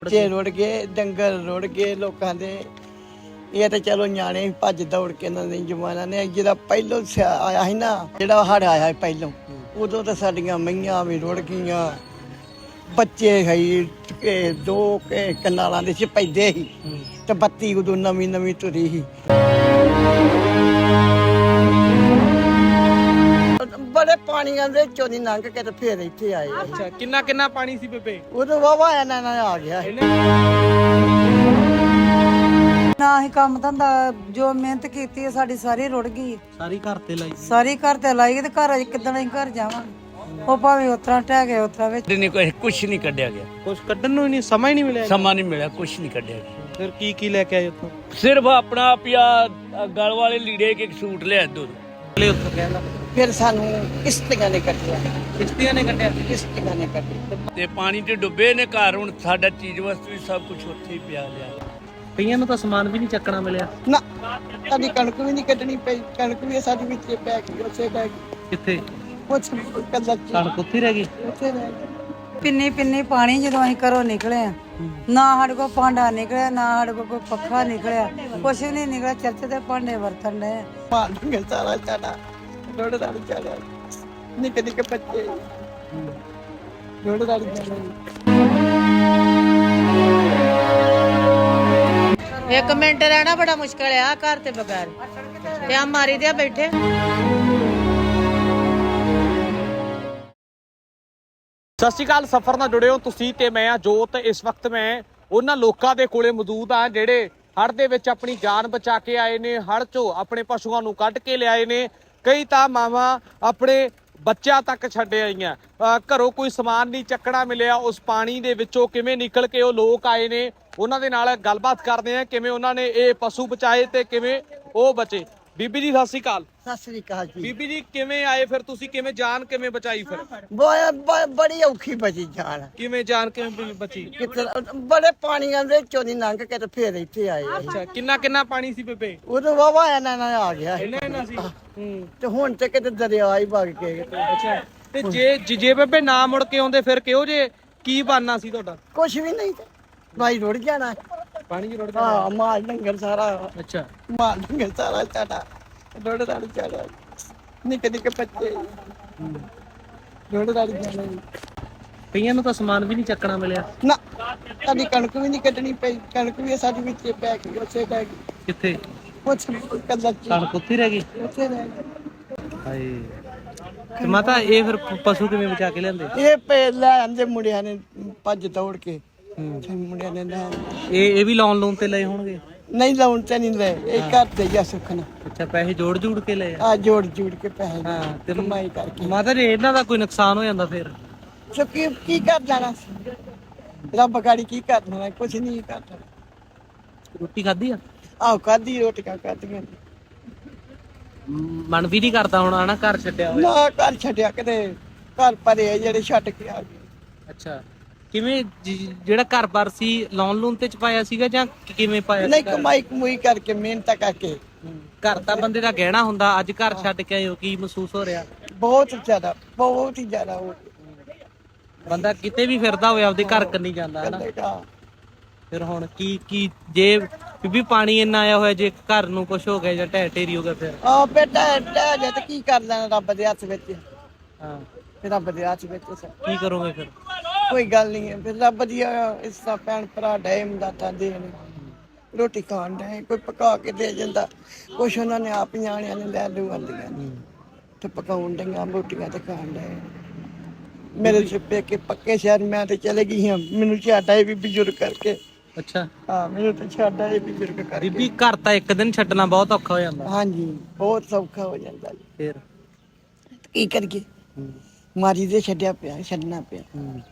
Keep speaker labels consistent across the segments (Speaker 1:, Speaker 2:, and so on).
Speaker 1: ਬੱਚੇ ਰੁੜ ਗਏ, ਡੰਗਰ ਰੁੜ ਗਏ ਲੋਕਾਂ ਦੇ। ਇਹ ਤਾਂ ਚਲੋ ਨਿਆਣੇ ਭੱਜ ਦੌੜ ਕੇ ਇਹਨਾਂ ਨੇ ਜਮਾਨਾ ਨੇ ਜਿਹੜਾ ਪਹਿਲੋਂ ਆਇਆ ਸੀ ਨਾ, ਜਿਹੜਾ ਹੜ੍ਹ ਆਇਆ ਸੀ ਪਹਿਲੋਂ, ਉਦੋਂ ਤਾਂ ਸਾਡੀਆਂ ਮਈਆਂ ਵੀ ਰੁੜ ਗਈਆਂ, ਬੱਚੇ ਹੈ ਦੋ ਕਨਾਲਾਂ ਦੇ ਚ ਪੈਂਦੇ ਸੀ ਤੇ ਬੱਤੀ ਉਦੋਂ ਨਵੀਂ ਨਵੀਂ ਤੁਰੀ ਸੀ। ਬੜੇ ਪਾਣੀਆਂ ਦੇ ਚੋਂ ਦੀ ਲੰਘ ਕੇ ਤੇ ਫੇਰ ਇੱਥੇ ਆਏ।
Speaker 2: ਅੱਛਾ, ਕਿੰਨਾ ਕਿੰਨਾ ਪਾਣੀ ਸੀ ਬੇਬੇ?
Speaker 1: ਉਦੋਂ ਵਾਵਾ ਇਹਨਾਂ ਨਾਲ ਆ ਗਿਆ
Speaker 3: ਨਾ ਹੀ ਕੰਮ ਧੰਦਾ ਜੋ ਮਿਹਨਤ ਕੀਤੀ ਹੈ ਸਾਡੀ ਸਾਰੀ ਰੁੜ ਗਈ।
Speaker 2: ਸਾਰੀ ਘਰ ਤੇ ਲਾਈ?
Speaker 3: ਸਾਰੀ ਘਰ ਤੇ ਲਾਈ ਤੇ ਘਰ ਕਿੱਦਣ ਅਸੀਂ ਘਰ ਜਾਵਾਂਗੇ? ਉਹ ਭਾਵੇਂ ਉਤਰਾ ਟਹਿ ਗਏ ਉਤਰਾ ਵਿੱਚ
Speaker 4: ਕੁਛ ਨਹੀਂ ਕੱਢਿਆ ਗਿਆ,
Speaker 2: ਕੁਝ ਕੱਢਣ ਨੂੰ ਹੀ ਨਹੀਂ, ਸਮਾਂ ਹੀ ਨਹੀਂ ਮਿਲਿਆ।
Speaker 4: ਸਮਾਂ ਨਹੀਂ ਮਿਲਿਆ, ਕੁਛ ਨਹੀਂ ਕੱਢਿਆ ਗਿਆ।
Speaker 2: ਫਿਰ ਕੀ ਲੈ ਕੇ ਆਏ ਉੱਥੋਂ?
Speaker 4: ਸਿਰਫ ਆਪਣਾ ਪਿਆ ਗਲ ਵਾਲੇ ਲੀੜੇ ਕੇ ਸੂਟ ਲਿਆ ਦੋ
Speaker 2: ਉੱਥੋਂ ਕਹਿੰਦਾ
Speaker 1: ਫਿਰ ਸਾਨੂੰ ਕਿਸ਼ਤੀਆਂ ਨੇ ਕੱਟਿਆ,
Speaker 2: ਕਿਸ਼ਤੀਆਂ ਨੇ ਕੱਢਿਆ।
Speaker 1: ਕਿਸ਼ਤੀਆਂ ਨੇ ਕੱਟਿਆ
Speaker 4: ਤੇ ਪਾਣੀ 'ਚ ਡੁੱਬੇ ਨੇ ਘਰ। ਹੁਣ ਸਾਡਾ ਚੀਜ਼ ਵਸਤੂ ਵੀ ਸਭ ਕੁਝ ਉੱਥੇ ਹੀ ਪਿਆ ਲਿਆ।
Speaker 2: ਕਈਆਂ ਨੂੰ ਤਾਂ ਸਮਾਨ ਵੀ ਨਹੀਂ ਚੱਕਣਾ ਮਿਲਿਆ।
Speaker 1: ਨਾ ਸਾਡੀ ਕਣਕ ਵੀ ਨਹੀਂ ਕੱਢਣੀ ਪਈ, ਕਣਕ ਵੀ ਸਾਡੀ ਵਿੱਚ ਪੈ ਗਈ, ਉੱਥੇ ਪੈ ਗਈ।
Speaker 2: ਕਿੱਥੇ?
Speaker 1: ਕੁਛ ਕੱਲਾ
Speaker 2: ਕਣਕ ਉੱਥੇ ਰਹਿ ਗਈ।
Speaker 1: ਉੱਥੇ ਰਹਿ ਗਈ।
Speaker 3: ਪਿੰਨੀ ਪਿੰਨੀ ਪਾਣੀ ਜਦੋਂ ਅਸੀਂ ਘਰੋਂ ਨਿਕਲੇ ਆ, ਨਾ ਸਾਡੇ ਕੋਲ ਭਾਂਡਾ ਨਿਕਲਿਆ, ਨਾ ਸਾਡੇ ਕੋਲ ਕੋਈ ਪੱਖਾ ਨਿਕਲਿਆ, ਕੁਛ ਨਹੀਂ ਨਿਕਲਿਆ। ਚਰਚ ਦੇ ਭਾਂਡੇ ਵਰਤਣ ਦੇ
Speaker 1: ਮਾਰ ਦੂੰਗੇ ਸਾਰਾ ਚਾੜਾ, ਰੋੜ ਦਾ ਚਾੜਾ, ਨਿੱਕੇ ਨਿੱਕੇ ਬੱਚੇ ਰੋੜ ਦਾ ਚਾੜਾ।
Speaker 5: ਇੱਕ ਮਿੰਟ ਰਹਿਣਾ ਬੜਾ ਮੁਸ਼ਕਲ ਆ ਘਰ ਤੇ ਬਗੈਰ, ਤੇ ਆ ਮਾਰੀ ਦੇ ਬੈਠੇ।
Speaker 2: ਸਤਿ ਸ਼੍ਰੀ ਅਕਾਲ। ਸਫ਼ਰ ਨਾਲ ਜੁੜੇ ਹੋ ਤੁਸੀਂ ਤੇ ਮੈਂ ਆ ਜੋਤ। ਇਸ ਵਕਤ ਮੈਂ ਉਹਨਾਂ ਲੋਕਾਂ ਦੇ ਕੋਲੇ ਮੌਜੂਦ ਆ ਜਿਹੜੇ ਹੜ੍ਹ ਦੇ ਵਿੱਚ ਆਪਣੀ ਜਾਨ ਬਚਾ ਕੇ ਆਏ ਨੇ, ਹੜ੍ਹ ਚੋਂ ਆਪਣੇ ਪਸ਼ੂਆਂ ਨੂੰ ਕੱਢ ਕੇ ਲਿਆਏ ਨੇ। ਕਈ ਤਾਂ ਮਾਵਾਂ ਆਪਣੇ ਬੱਚਿਆਂ ਤੱਕ ਛੱਡ ਆਈਆਂ। ਘਰੋਂ ਕੋਈ ਸਮਾਨ ਨਹੀਂ ਚੱਕਣਾ ਮਿਲਿਆ। ਉਸ ਪਾਣੀ ਦੇ ਵਿੱਚੋਂ ਕਿਵੇਂ ਨਿਕਲ ਕੇ ਉਹ ਲੋਕ ਆਏ ਨੇ, ਉਹਨਾਂ ਦੇ ਨਾਲ ਗੱਲਬਾਤ ਕਰਦੇ ਆ ਕਿਵੇਂ ਉਹਨਾਂ ਨੇ ਇਹ ਪਸ਼ੂ ਬਚਾਏ ਤੇ ਕਿਵੇਂ ਉਹ ਬਚੇ। ਬੀਬੀ ਜੀ ਸਤਿ ਸ਼੍ਰੀ ਅਕਾਲ।
Speaker 1: ਸਤਿ ਸ੍ਰੀ ਅਕਾਲ ਜੀ।
Speaker 2: ਬੀਬੀ ਜੀ ਕਿਵੇਂ ਆਏ ਫਿਰ ਤੁਸੀਂ? ਕਿਵੇਂ ਜਾਨ ਕਿਵੇਂ ਬਚਾਈ ਫਿਰ?
Speaker 1: ਬੜੀ ਔਖੀ ਬਚੀ ਜਾਨ।
Speaker 2: ਕਿਵੇਂ ਜਾਨ ਕਿਵੇਂ ਬਚੀ?
Speaker 1: ਬੜੇ ਪਾਣੀਆਂ ਦੇ ਚੋਂ ਦੀ ਲੰਘ ਕੇ ਤੇ ਫੇਰ ਇੱਥੇ ਆਏ।
Speaker 2: ਅੱਛਾ, ਕਿੰਨਾ ਕਿੰਨਾ ਪਾਣੀ ਸੀ ਬੇਬੇ?
Speaker 1: ਉਦੋਂ ਵਾਵਾ ਇਹਨਾਂ ਨਾਲ ਆ ਗਿਆ
Speaker 2: ਇੰਨਾ ਸੀ।
Speaker 1: ਤੇ ਹੁਣ ਤੇ ਕਿਤੇ ਦਰਿਆ ਹੀ ਵਗ ਕੇ।
Speaker 2: ਅੱਛਾ, ਤੇ ਜੇ ਬੇਬੇ ਨਾ ਮੁੜ ਕੇ ਆਉਂਦੇ ਫਿਰ ਕਿਹੋ ਜੇ ਕੀ ਬਣਨਾ ਸੀ ਤੁਹਾਡਾ?
Speaker 1: ਕੁਛ ਵੀ ਨਹੀਂ ਤੇ ਭਾਈ ਰੁੜ ਜਾਣਾ,
Speaker 2: ਪਾਣੀ 'ਚ ਰੁੜ
Speaker 1: ਹਾਂ
Speaker 2: ਜਾਣਾ।
Speaker 1: ਮਾਲ ਡੰਗਰ ਸਾਰਾ,
Speaker 2: ਅੱਛਾ,
Speaker 1: ਮਾਲ ਡੰਗਰ ਸਾਰਾ ਚਾੜਾ, ਰੁੜ ਦਾ ਚਾੜਾ, ਨਿੱਕੇ ਨਿੱਕੇ ਬੱਚੇ ਰੁੜ ਦਾ ਚਾੜਾ।
Speaker 2: ਕਈਆਂ ਨੂੰ ਤਾਂ ਸਮਾਨ ਵੀ ਨਹੀਂ ਚੱਕਣਾ ਮਿਲਿਆ।
Speaker 1: ਨਾ ਸਾਡੀ ਕਣਕ ਵੀ ਨਹੀਂ ਕੱਢਣੀ ਪਈ, ਕਣਕ ਵੀ ਸਾਡੀ ਵਿੱਚ ਪੈ ਗਈ, ਉੱਥੇ ਪੈ ਗਈ।
Speaker 2: ਕਿੱਥੇ?
Speaker 1: ਕੁਛ ਕੱਲਾ
Speaker 2: ਕਣਕ ਉੱਥੇ ਰਹਿ ਗਈ।
Speaker 1: ਉੱਥੇ ਰਹਿ ਗਈ।
Speaker 2: ਹਾਏ, ਤੇ ਮਾਤਾ ਇਹ ਫਿਰ ਪਸ਼ੂ ਕਿਵੇਂ ਬਚਾ ਕੇ ਲਿਆਂਦੇ?
Speaker 1: ਇਹ ਲੈ ਆਂਦੇ ਮੁੰਡਿਆਂ ਨੇ ਭੱਜ ਦੌੜ ਕੇ, ਮੁੰਡਿਆਂ ਨੇ ਲੈ
Speaker 2: ਇਹ ਵੀ ਲੋਨ ਤੇ ਲਏ ਹੋਣਗੇ?
Speaker 1: ਨਹੀਂ ਲਾਉਣ ਤੇ ਨਹੀਂ ਲੈ, ਇਹ ਘਰ ਤੇ ਜਾ ਸੁਖਣਾ।
Speaker 2: ਅੱਛਾ, ਪੈਸੇ ਜੋੜ ਕੇ ਲਏ ਆ?
Speaker 1: ਆ ਜੋੜ ਕੇ ਪੈਸੇ
Speaker 2: ਹਾਂ, ਤੇ
Speaker 1: ਕਮਾਈ ਕਰਕੇ।
Speaker 2: ਮਾਤਾ ਜੀ ਇਹਨਾਂ ਦਾ ਕੋਈ ਨੁਕਸਾਨ ਹੋ ਜਾਂਦਾ ਫਿਰ?
Speaker 1: ਸੋ ਕੀ ਕਰ ਜਾਣਾ ਸੀ, ਰੱਬ ਗਾੜੀ ਕੀ ਕਰਨਾ, ਕੁਛ ਨਹੀਂ ਕਰਨਾ।
Speaker 2: ਰੋਟੀ ਖਾਧੀ ਆ?
Speaker 1: ਆਹ ਖਾਧੀ ਰੋਟੀਆਂ ਖਾਧੀਆਂ।
Speaker 2: ਮਨ ਵੀ ਨਹੀਂ ਕਰਦਾ ਹੁਣ ਆਣਾ ਘਰ ਛੱਡਿਆ ਹੋਇਆ?
Speaker 1: ਨਾ ਘਰ ਛੱਡਿਆ, ਕਿਤੇ ਘਰ ਭਰੇ ਜਿਹੜੇ ਛੱਡ ਕੇ ਆ ਗਏ।
Speaker 2: ਅੱਛਾ, ਕਿਵੇਂ ਜਿਹੜਾ ਘਰ-ਬਾਰ ਸੀ ਲੋਨ ਤੇ ਚ ਪਾਇਆ ਸੀਗਾ ਜਾਂ ਕਿਵੇਂ ਪਾਇਆ?
Speaker 1: ਨਹੀਂ, ਕਮਾਈ ਕਮੂਈ ਕਰਕੇ, ਮਿਹਨਤ ਕਰਕੇ।
Speaker 2: ਘਰ ਤਾਂ ਬੰਦੇ ਦਾ ਗਹਿਣਾ ਹੁੰਦਾ, ਅੱਜ ਘਰ ਛੱਡ ਕੇ ਆਏ ਹੋ, ਕੀ ਮਹਿਸੂਸ ਹੋ ਰਿਹਾ?
Speaker 1: ਬਹੁਤ ਜ਼ਿਆਦਾ, ਬਹੁਤ ਹੀ ਜ਼ਿਆਦਾ
Speaker 2: ਬੰਦਾ ਕਿਤੇ ਵੀ ਫਿਰਦਾ ਹੋਵੇ ਆਪਦੇ ਘਰ ਕੰਨੀ ਜਾਂਦਾ ਹੈ ਨਾ। ਫਿਰ ਹੁਣ ਕੀ ਜੇ ਬੀਬੀ ਪਾਣੀ ਇੰਨਾ ਆਇਆ ਹੋਇਆ, ਜੇ ਘਰ ਨੂੰ ਕੁਝ ਹੋ ਗਿਆ ਜਾਂ ਢਹਿ ਢੇਰੀ ਹੋ ਗਿਆ ਫਿਰ?
Speaker 1: ਆ ਬੇਟਾ ਢਹਿ ਜਾ ਤੇ ਕੀ ਕਰ ਲੈਣਾ, ਰੱਬ ਦੇ ਹੱਥ ਵਿੱਚ।
Speaker 2: ਹਾਂ,
Speaker 1: ਫਿਰ ਰੱਬ ਦੇ ਹੱਥ ਵਿੱਚ
Speaker 2: ਕੀ ਕਰੋਗੇ ਫਿਰ?
Speaker 1: ਕੋਈ ਗੱਲ ਨਹੀਂ ਹੈ, ਫਿਰ ਰੱਬ ਦੀ ਇਸ ਤਰ੍ਹਾਂ ਭੈਣ ਭਰਾ ਡੇ ਮਦਦਾਂ ਦੇਣ, ਰੋਟੀ ਖਾਣ ਡੇ, ਕੋਈ ਪਕਾ ਕੇ ਦੇ ਜਾਂਦਾ, ਕੁਛ ਉਹਨਾਂ ਨੇ ਆਪ ਨਿਆਣਿਆਂ ਨੇ ਲੈ ਲੂ ਆਂਦੀਆਂ ਤੇ ਪਕਾਉਣ ਡੀਆਂ ਰੋਟੀਆਂ ਤੇ ਖਾਣ ਡੇ। ਮੇਰੇ ਛਿੱਪੇ ਕੇ ਪੱਕੇ ਸ਼ਹਿਰ ਮੈਂ ਤੇ ਚਲੇ ਗਈ ਹਾਂ, ਮੈਨੂੰ ਛੱਡਾ ਇਹ ਵੀ ਬਜ਼ੁਰਗ ਕਰਕੇ।
Speaker 2: ਅੱਛਾ,
Speaker 1: ਹਾਂ, ਮੈਨੂੰ ਤਾਂ ਛੱਡਾ ਇਹ ਬਜ਼ੁਰਗ ਕਰਕੇ।
Speaker 2: ਬੀਬੀ ਘਰ ਤਾਂ ਇੱਕ ਦਿਨ ਛੱਡਣਾ ਬਹੁਤ ਔਖਾ ਹੋ ਜਾਂਦਾ।
Speaker 1: ਹਾਂਜੀ, ਬਹੁਤ ਸੌਖਾ ਹੋ ਜਾਂਦਾ ਜੀ।
Speaker 2: ਫਿਰ
Speaker 1: ਕੀ ਕਰੀਏ, ਮਾਰੀ ਦੇ ਛੱਡਿਆ ਪਿਆ, ਛੱਡਣਾ ਪਿਆ।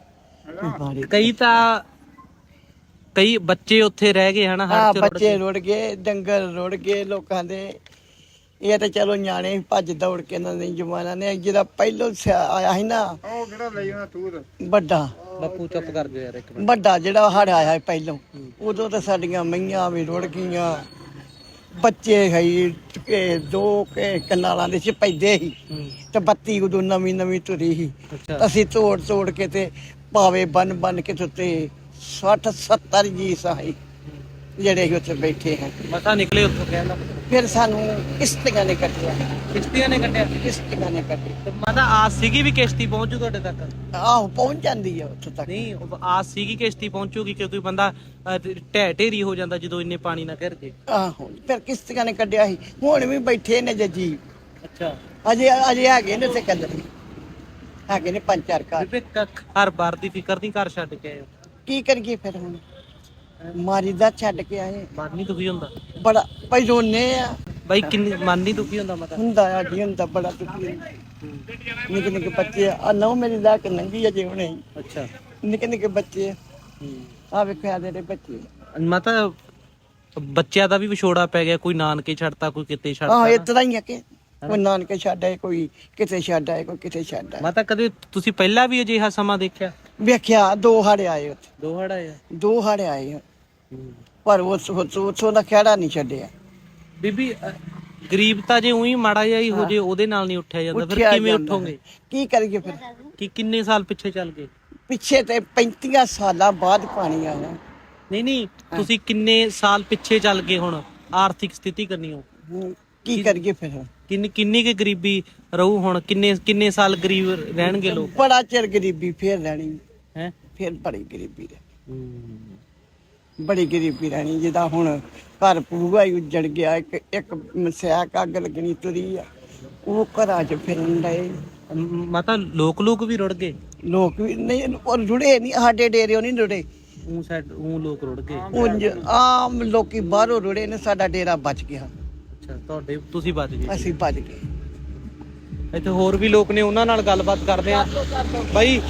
Speaker 2: ਕਈ ਬੱਚੇ ਉੱਥੇ ਰਹਿ ਗਏ ਹਨਾ,
Speaker 1: ਹਾਂ, ਬੱਚੇ ਰੁੜ ਗਏ, ਡੰਗਰ ਰੁੜ ਗਏ ਲੋਕਾਂ ਦੇ। ਇਹ ਤਾਂ ਚਲੋ ਨਿਆਣੇ ਭੱਜ ਦੌੜ ਕੇ ਇਹਨਾਂ ਨੇ ਜਮਾਨਾ ਨੇ ਜਿਹੜਾ ਪਹਿਲੋਂ ਆਇਆ ਸੀ ਨਾ, ਉਹ ਕਿਹੜਾ ਲਈ ਉਹਨਾਂ ਤੂਰ ਵੱਡਾ।
Speaker 2: ਬਾਪੂ ਚੁੱਪ ਕਰ ਜਾ ਯਾਰ ਇੱਕ ਮਿੰਟ।
Speaker 1: ਵੱਡਾ ਜਿਹੜਾ ਹੜ੍ਹ ਆਇਆ ਸੀ ਪਹਿਲੋਂ, ਉਦੋਂ ਤਾਂ ਸਾਡੀਆਂ ਮਈਆਂ ਵੀ ਰੁੜ ਗਈਆਂ, ਬੱਚੇ ਹੈ ਦੋ ਕਨਾਲਾਂ ਦੇ ਚ ਪੈਂਦੇ ਸੀ ਤੇ ਬੱਤੀ ਉਦੋਂ ਨਵੀਂ ਨਵੀਂ ਤੁਰੀ ਸੀ। ਅਸੀਂ ਤੋੜ ਕੇ ਤੇ ਪਾਵੇ ਬੰਨ ਕੇ ਤੇ 60 70 ਜੀ ਸਾਈ ਜਿਹੜੇ ਅਸੀਂ ਉੱਥੇ ਬੈਠੇ ਹਾਂ।
Speaker 2: ਮਸਾਂ ਨਿਕਲੇ ਉੱਥੋਂ ਕਹਿੰਦਾ
Speaker 1: ਫਿਰ ਸਾਨੂੰ ਕਿਸ਼ਤੀਆਂ ਨੇ ਕੱਟਿਆ,
Speaker 2: ਕਿਸ਼ਤੀਆਂ ਨੇ ਕੱਢਿਆ।
Speaker 1: ਕਿਸ਼ਤੀਆਂ ਨੇ ਕੱਟੀ।
Speaker 2: ਤੇ ਮਾਤਾ ਆਸ ਸੀਗੀ ਵੀ ਕਿਸ਼ਤੀ ਪਹੁੰਚੂ ਤੁਹਾਡੇ ਤੱਕ?
Speaker 1: ਆਹੋ ਪਹੁੰਚ ਜਾਂਦੀ ਆ ਉੱਥੇ ਤੱਕ।
Speaker 2: ਨਹੀਂ ਆਸ ਸੀਗੀ ਕਿਸ਼ਤੀ ਪਹੁੰਚੂਗੀ ਕਿਉਂਕਿ ਬੰਦਾ ਢਹਿ ਹੋ ਜਾਂਦਾ ਜਦੋਂ ਇੰਨੇ ਪਾਣੀ ਨਾਲ ਘਿਰ ਜੇ।
Speaker 1: ਆਹੋ ਫਿਰ ਕਿਸ਼ਤੀਆਂ ਨੇ ਕੱਢਿਆ ਸੀ। ਹੁਣ ਵੀ ਬੈਠੇ ਨੇ ਜੀ।
Speaker 2: ਅੱਛਾ
Speaker 1: ਅਜੇ ਹੈਗੇ ਨੇ ਤੇ ਕੱਲ੍ਹ ਹੈਗੇ ਨੇ 5-4 ਘਰ।
Speaker 2: ਬੀਬੀ ਘਰ ਬਾਰ ਦੀ ਫਿਕਰ ਨਹੀਂ, ਘਰ ਛੱਡ ਕੇ ਆਏ ਹੋ?
Speaker 1: ਕੀ ਕਰੀਏ ਫਿਰ ਹੁਣ, ਮਾਰੀ ਦਾ ਛੱਡ ਕੇ ਆਏ।
Speaker 2: ਮਨ ਨਹੀਂ ਦੁਖੀ ਹੁੰਦਾ?
Speaker 1: ਬੜਾ ਭਾਈ ਰੋਨੇ ਆ।
Speaker 2: ਬਾਈ ਕਿੰਨੀ ਮਨ ਨਹੀਂ ਦੁਖੀ ਹੁੰਦਾ ਮਾਤਾ?
Speaker 1: ਹੁੰਦਾ ਆ ਜੀ, ਹੁੰਦਾ ਬੜਾ ਦੁਖੀ ਹੁੰਦਾ। ਨਿੱਕੇ ਨਿੱਕੇ ਬੱਚੇ ਆ ਨਹੁੰ ਮੇਰੀ ਲੈ ਕੇ ਨੰਗੀ ਅਜੇ ਹੁਣੇ ਹੀ।
Speaker 2: ਅੱਛਾ
Speaker 1: ਨਿੱਕੇ ਨਿੱਕੇ ਬੱਚੇ ਆ ਵੇਖਿਆ ਦੇ ਬੱਚੇ।
Speaker 2: ਮਾਤਾ ਬੱਚਿਆਂ ਦਾ ਵੀ ਵਿਛੋੜਾ ਪੈ ਗਿਆ, ਕੋਈ ਨਾਨਕੇ ਛੱਡਤਾ, ਕੋਈ ਕਿਤੇ
Speaker 1: ਆਹ
Speaker 2: ਛੱਡਤਾ।
Speaker 1: ਇਸ ਤਰ੍ਹਾਂ ਹੀ ਆ ਕਿ ਕੋਈ ਨਾਨਕੇ ਛੱਡ ਆਏ, ਕੋਈ ਕਿਤੇ ਛੱਡ ਆਏ, ਕੋਈ ਕਿਤੇ ਛੱਡ ਆਏ।
Speaker 2: ਮਾਤਾ ਕਦੇ ਤੁਸੀਂ ਪਹਿਲਾਂ ਵੀ ਅਜਿਹਾ ਸਮਾਂ ਦੇਖਿਆ?
Speaker 1: ਵੇਖਿਆ 2 ਹਾੜੇ ਆਏ ਉੱਥੇ,
Speaker 2: ਦੋ ਹੜ ਆਏ ਆ।
Speaker 1: 2 ਹਾੜੇ ਆਏ ਆ। ਪਰ ਉੱਥੋਂ ਦਾ ਖਹਿੜਾ ਨਹੀਂ ਛੱਡਿਆ।
Speaker 2: ਬੀਬੀ ਗਰੀਬ ਤਾਂ ਜੇ ਉਹੀ ਮਾੜਾ ਜਿਹਾ ਹੀ ਹੋ ਜੇ ਉਹਦੇ ਨਾਲ ਨਹੀਂ ਉੱਠਿਆ ਜਾਂਦਾ, ਫਿਰ
Speaker 1: ਉੱਠਿਆ
Speaker 2: ਕਿਵੇਂ
Speaker 1: ਜਾਂਦਾ।
Speaker 2: ਉੱਠੋਗੇ?
Speaker 1: ਕੀ ਕਰੀਏ ਫਿਰ?
Speaker 2: ਕਿ ਕਿੰਨੇ ਸਾਲ ਪਿੱਛੇ ਚੱਲ ਗਏ?
Speaker 1: ਪਿੱਛੇ ਤੇ 35 ਸਾਲਾਂ ਬਾਅਦ ਪਾਣੀ ਆਇਆ।
Speaker 2: ਨਹੀਂ ਤੁਸੀਂ ਕਿੰਨੇ ਸਾਲ ਪਿੱਛੇ ਚੱਲ ਗਏ ਹੁਣ ਆਰਥਿਕ ਸਥਿਤੀ ਕਰਨੀ ਹੋ?
Speaker 1: ਕੀ ਕਰੀਏ ਫਿਰ?
Speaker 2: ਕਿੰਨੀ ਕੁ ਗਰੀਬੀ ਰਹੂ ਹੁਣ? ਕਿੰਨੇ ਸਾਲ ਗਰੀਬ ਰਹਿਣਗੇ ਲੋਕ?
Speaker 1: ਬੜਾ ਚਿਰ ਗਰੀਬੀ ਫੇਰ ਰਹਿਣੀ
Speaker 2: ਹੈ।
Speaker 1: ਫਿਰ ਬੜੀ ਗਰੀਬੀ ਰਹਿਣੀ, ਬੜੀ ਗਰੀਬੀ ਰਹਿਣੀ। ਜਿੱਦਾਂ ਹੁਣ ਘਰ ਪੂਰਾ ਹੀ ਉੱਜੜ ਗਿਆ। ਇੱਕ ਮਸਿਆਕ ਅੱਗ ਲੱਗਣੀ ਤੁਰੀ ਆ, ਉਹ ਘਰਾਂ 'ਚ ਫਿਰਨ ਡਏ।
Speaker 2: ਮਾਤਾ ਲੋਕ ਵੀ ਰੁੜ ਗਏ?
Speaker 1: ਲੋਕ ਵੀ ਨਹੀਂ, ਉਹ ਰੁੜੇ ਨਹੀਂ, ਸਾਡੇ ਡੇਰਿਓ ਨਹੀਂ ਰੁੜੇ।
Speaker 2: ਉਹ ਲੋਕ ਰੁੜ ਗਏ?
Speaker 1: ਉਂਝ ਆਮ ਲੋਕੀ ਬਾਹਰੋਂ ਰੁੜੇ ਨੇ, ਸਾਡਾ ਡੇਰਾ ਬਚ ਗਿਆ।
Speaker 2: ਅੱਛਾ ਤੁਹਾਡੇ ਤੁਸੀਂ ਬਚ ਗਏ?
Speaker 1: ਅਸੀਂ ਬਚ ਗਏ।
Speaker 2: ਇੱਥੇ ਹੋਰ ਵੀ ਲੋਕ ਨੇ, ਉਹਨਾਂ ਨਾਲ ਗੱਲਬਾਤ ਕਰਦੇ ਆ। ਬਾਈ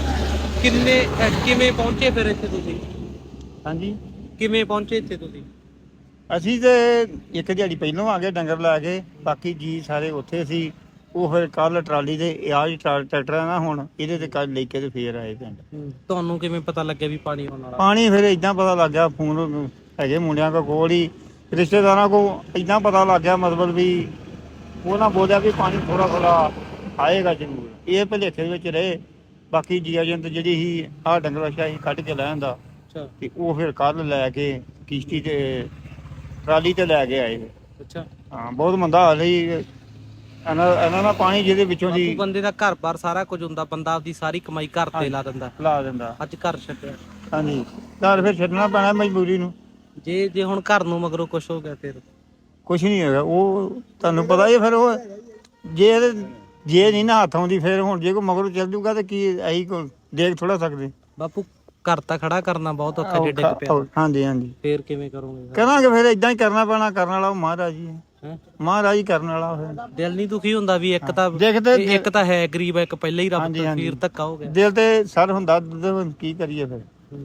Speaker 2: ਕਿਵੇਂ ਪਹੁੰਚੇ ਫਿਰ ਇੱਥੇ ਤੁਸੀਂ?
Speaker 6: ਹਾਂਜੀ
Speaker 2: ਕਿਵੇਂ ਪਹੁੰਚੇ ਇੱਥੇ ਤੁਸੀਂ?
Speaker 6: ਅਸੀਂ ਤੇ ਇੱਕ ਦਿਹਾੜੀ ਪਹਿਲੋਂ ਆ ਗਏ ਡੰਗਰ ਲੈ ਕੇ, ਬਾਕੀ ਜੀ ਸਾਰੇ ਉੱਥੇ ਸੀ। ਉਹ ਫਿਰ ਕੱਲ ਟਰਾਲੀ ਦੇ ਆਜ ਟਰੈਕਟਰ ਆ ਨਾ, ਹੁਣ ਇਹਦੇ ਤੇ ਕੱਲ ਲੈ ਕੇ ਤੇ ਫੇਰ ਆਏ ਪਿੰਡ।
Speaker 2: ਤੁਹਾਨੂੰ ਕਿਵੇਂ ਪਤਾ ਲੱਗਿਆ ਵੀ ਪਾਣੀ ਆਉਣ ਵਾਲਾ?
Speaker 6: ਪਾਣੀ ਫਿਰ ਇਦਾਂ ਪਤਾ ਲੱਗ ਗਿਆ, ਫੋਨ ਹੈਗੇ ਮੁੰਡਿਆਂ ਕੋਲ ਹੀ, ਰਿਸ਼ਤੇਦਾਰਾਂ ਕੋਲ ਇਦਾਂ ਪਤਾ ਲੱਗ ਗਿਆ, ਮਤਲਬ ਵੀ ਉਹਨਾਂ ਬੋਲਿਆ ਵੀ ਪਾਣੀ ਥੋੜਾ ਥੋੜਾ ਆਏਗਾ ਜ਼ਰੂਰ। ਇਹ ਭੁਲੇਖੇ ਦੇ ਵਿੱਚ ਰਹੇ। ਬਾਕੀ ਜੀ ਏਜੰਟ ਜਿਹੜੀ ਸੀ ਆਹ ਡੰਗਰ ਵਛਾ ਸੀ ਕੱਢ ਕੇ ਲੈ ਆਂਦਾ, ਤੇ ਉਹ ਫਿਰ ਕੱਲ ਲੈ ਕੇ ਕਿਸ਼ਤੀ ਤੇ ਟਰਾਲੀ ਤੇ ਲੈ ਕੇ ਆਏ।
Speaker 2: ਅੱਛਾ
Speaker 6: ਹਾਂ ਬਹੁਤ ਮੰਦਾ ਹਾਲ ਸੀ ਇਹਨਾਂ ਦਾ ਪਾਣੀ ਜਿਹਦੇ ਵਿੱਚੋਂ ਦੀ।
Speaker 2: ਬੰਦੇ ਦਾ ਘਰ-ਬਾਰ ਸਾਰਾ ਕੁਝ ਹੁੰਦਾ, ਬੰਦਾ ਆਪਦੀ ਸਾਰੀ ਕਮਾਈ ਘਰ ਤੇ ਲਾ ਦਿੰਦਾ। ਅੱਜ ਘਰ ਛੱਡਿਆ।
Speaker 6: ਹਾਂਜੀ ਘਰ ਫਿਰ ਛੱਡਣਾ ਪੈਣਾ ਮਜਬੂਰੀ ਨੂੰ।
Speaker 2: ਜੇ ਹੁਣ ਘਰ ਨੂੰ ਮਗਰੋਂ ਕੁਝ ਹੋ ਗਿਆ ਫਿਰ?
Speaker 6: ਕੁਛ ਨਹੀਂ ਹੈਗਾ, ਉਹ ਤੁਹਾਨੂੰ ਪਤਾ ਹੀ ਫਿਰ ਉਹ ਜੇ ਨਹੀਂ ਨਾ ਹੱਥ ਆਉਂਦੀ ਫਿਰ ਹੁਣ ਜੇ ਕੋਈ ਮਗਰੋਂ ਚੱਲ ਜੂਗਾ ਤੇ ਕੀ ਅਸੀਂ ਦੇਖ ਥੋੜਾ ਸਕਦੇ।
Speaker 2: ਬਾਪੂ ਘਰ ਤਾਂ ਖੜਾ ਕਰਨਾ ਬਹੁਤ ਔਖਾ ਜੇ ਡਿੱਗ ਪਿਆ।
Speaker 6: ਹਾਂਜੀ ਹਾਂਜੀ
Speaker 2: ਫੇਰ ਕਿਵੇਂ ਕਰੋਗੇ?
Speaker 6: ਕਰਾਂਗੇ ਫਿਰ ਇਦਾਂ ਹੀ ਕਰਨਾ ਪੈਣਾ, ਕਰਨ ਵਾਲਾ ਉਹ ਮਹਾਰਾਜ ਹੀ ਹੈ। ਮਹਾਰਾਜ ਹੀ ਕਰਨ ਵਾਲਾ। ਫਿਰ
Speaker 2: ਦਿਲ ਨਹੀਂ ਦੁਖੀ ਹੁੰਦਾ ਵੀ ਇੱਕ ਤਾਂ ਹੈ ਗਰੀਬ, ਇੱਕ ਪਹਿਲਾਂ ਹੀ ਰੱਬ ਤੋਂ ਫੀਰ ਧੱਕਾ ਹੋ ਗਿਆ।
Speaker 6: ਦਿਲ ਤੇ ਸਰ ਹੁੰਦਾ, ਕੀ ਕਰੀਏ ਫਿਰ।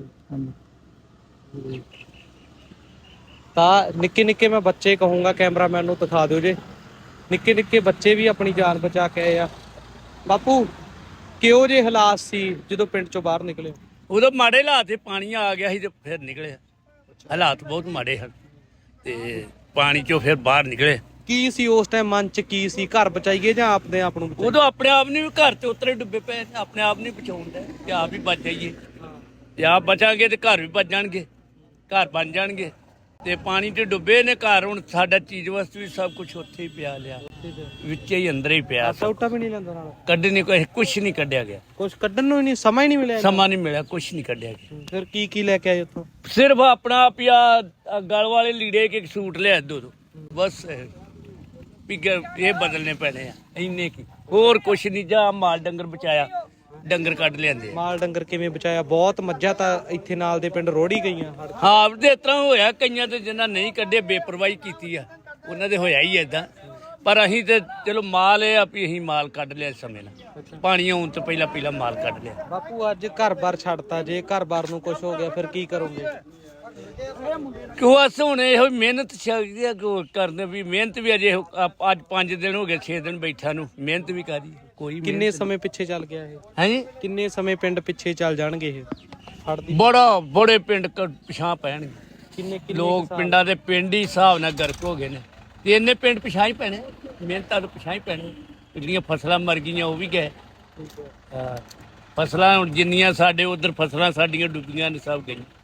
Speaker 2: ਤਾਂ ਨਿੱਕੇ ਮੈਂ ਬੱਚੇ ਕਹੂੰਗਾ, ਕੈਮਰਾਮੈਨ ਨੂੰ ਦਿਖਾ ਦਿਓ ਜੇ। ਨਿੱਕੇ ਬੱਚੇ ਵੀ ਆਪਣੀ ਜਾਨ ਬਚਾ ਕੇ ਆਏ ਆ। ਬਾਪੂ ਕਿਹੋ ਜਿਹੇ ਹਾਲਾਤ ਸੀ ਜਦੋਂ ਪਿੰਡ ਚੋਂ ਬਾਹਰ ਨਿਕਲੇ?
Speaker 4: ਉਦੋਂ ਮਾੜੇ ਹਾਲਾਤ ਤੇ ਪਾਣੀ ਆ ਗਿਆ ਸੀ ਤੇ ਫਿਰ ਨਿਕਲੇ। ਹਾਲਾਤ ਬਹੁਤ ਮਾੜੇ ਹਨ ਤੇ ਪਾਣੀ ਚੋਂ ਫਿਰ ਬਾਹਰ ਨਿਕਲੇ।
Speaker 2: ਕੀ ਸੀ ਉਸ ਟਾਈਮ ਮਨ ਚ, ਕੀ ਸੀ? ਘਰ ਬਚਾਈਏ ਜਾਂ ਆਪਣੇ ਆਪ ਨੂੰ ਬਚਾਈਏ?
Speaker 4: ਉਦੋਂ ਆਪਣੇ ਆਪ ਨੂੰ ਵੀ ਘਰ ਤੇ ਉਤਰੇ ਡੁੱਬੇ ਪਏ, ਆਪਣੇ ਆਪ ਨੂੰ ਬਚਾਉਣ ਦਾ ਕਿ ਆਪ ਹੀ ਬਚ ਜਾਈਏ। ਤੇ ਆਪ ਬਚਾਂਗੇ ਤੇ ਘਰ ਵੀ ਬਚ ਜਾਣਗੇ, ਘਰ ਬਣ ਜਾਣਗੇ। ਤੇ ਪਾਣੀ ਤੇ ਡੁੱਬੇ ਨੇ ਘਰ, ਹੁਣ ਸਾਡਾ ਚੀਜ਼ ਵਸਤੂ ਵੀ ਸਭ ਕੁਝ ਉੱਥੇ ਹੀ ਪਿਆ ਲਿਆ, ਵਿੱਚੇ ਹੀ ਅੰਦਰ ਹੀ ਪਿਆ।
Speaker 2: ਸੌਟਾ ਵੀ ਨਹੀਂ ਲੈਂਦਾ ਨਾਲ?
Speaker 4: ਕੱਢਣੇ ਕੁਛ ਨਹੀਂ ਕੱਢਿਆ ਗਿਆ,
Speaker 2: ਕੁਛ ਕੱਢਣ ਨੂੰ ਹੀ ਨਹੀਂ, ਸਮਾਂ ਹੀ ਨਹੀਂ ਮਿਲਿਆ?
Speaker 4: ਸਮਾਂ ਨਹੀਂ ਮਿਲਿਆ, ਕੁਛ ਨਹੀਂ ਕੱਢਿਆ ਗਿਆ।
Speaker 2: ਫਿਰ ਕੀ ਲੈ ਕੇ ਆਏ ਉੱਥੋਂ?
Speaker 4: ਸਿਰਫ ਆਪਣਾ ਆਪ ਹੀ ਆ ਗਲ ਵਾਲੇ ਲੀੜੇ ਕੇ ਸੂਟ ਲਿਆ ਦੋ ਬਸ, ਵੀ ਇਹ ਬਦਲਨੇ ਪੈਣੇ ਆ ਇੰਨੇ ਕੀ, ਹੋਰ ਕੁਛ ਨਹੀਂ। ਜਾਂ ਮਾਲ ਡੰਗਰ ਬਚਾਇਆ, ਡੰਗਰ ਕੱਢ ਲਿਆਂਦੇ।
Speaker 2: ਮਾਲ ਡੰਗਰ ਕਿਵੇਂ ਬਚਾਇਆ? ਬਹੁਤ ਮੱਝਾਂ ਤਾਂ ਇੱਥੇ ਨਾਲ ਦੇ ਪਿੰਡ ਰੋੜੀ ਗਈਆਂ।
Speaker 4: ਹਾਂ ਤੇ ਇਸ ਤਰ੍ਹਾਂ ਹੋਇਆ, ਕਈਆਂ ਤੇ ਜਿਨ੍ਹਾਂ ਨਹੀਂ ਕੱਢੇ ਬੇਪਰਵਾਹੀ ਕੀਤੀ ਆ, ਉਹਨਾਂ ਦੇ ਹੋਇਆ ਹੀ ਏਦਾਂ। ਪਰ ਅਸੀਂ ਤੇ ਚਲੋ ਮਾਲ ਇਹ ਆ ਵੀ ਅਸੀਂ ਮਾਲ ਕੱਢ ਲਿਆ ਸਮੇਂ ਨਾਲ, ਪਾਣੀ ਆਉਣ ਤੋਂ ਪਹਿਲਾਂ ਮਾਲ ਕੱਢ ਲਿਆ।
Speaker 2: ਬਾਪੂ ਅੱਜ ਘਰ-ਬਾਰ ਛੱਡਤਾ, ਜੇ ਘਰ-ਬਾਰ ਨੂੰ ਕੁਝ ਹੋ ਗਿਆ ਫਿਰ ਕੀ ਕਰੋਗੇ?
Speaker 4: ਕਿਉਂ ਅਸ ਹੁਣ ਇਹੋ ਮਿਹਨਤ ਕਰਦੇ ਵੀ, ਮਿਹਨਤ ਵੀ ਅਜੇ ਅੱਜ 5 ਦਿਨ ਹੋ ਗਏ 6 ਦਿਨ ਬੈਠਾ ਨੂੰ, ਮਿਹਨਤ ਵੀ ਕਰੀ ਕੋਈ।
Speaker 2: ਕਿੰਨੇ ਸਮੇਂ ਪਿੱਛੇ ਚੱਲ ਗਿਆ ਇਹ?
Speaker 4: ਹਾਂਜੀ
Speaker 2: ਕਿੰਨੇ ਸਮੇਂ ਪਿੰਡ ਪਿੱਛੇ ਚੱਲ ਜਾਣਗੇ ਇਹ ਫੜਦੀ?
Speaker 4: ਬੜੇ ਪਿੰਡ ਪਿਛਾਂ ਪੈਣਗੇ।
Speaker 2: ਕਿੰਨੇ
Speaker 4: ਲੋਕ ਪਿੰਡਾਂ ਦੇ ਪਿੰਡ ਹੀ ਹਿਸਾਬ ਨਾਲ ਗਰਕ ਹੋ ਗਏ ਨੇ, ਤੇ ਇੰਨੇ ਪਿੰਡ ਪਿਛਾਂ ਹੀ ਪੈਣੇ, ਮਿਹਨਤਾਂ ਤੋਂ ਪਿਛਾਂ ਹੀ ਪੈਣੇ। ਜਿਹੜੀਆਂ ਫਸਲਾਂ ਮਰ ਗਈਆਂ ਉਹ ਵੀ ਗਏ। ਫਸਲਾਂ ਹੁਣ ਜਿੰਨੀਆਂ ਸਾਡੇ ਉਧਰ ਫਸਲਾਂ ਸਾਡੀਆਂ ਡੁੱਬੀਆਂ ਨੇ ਸਭ ਗਈਆਂ।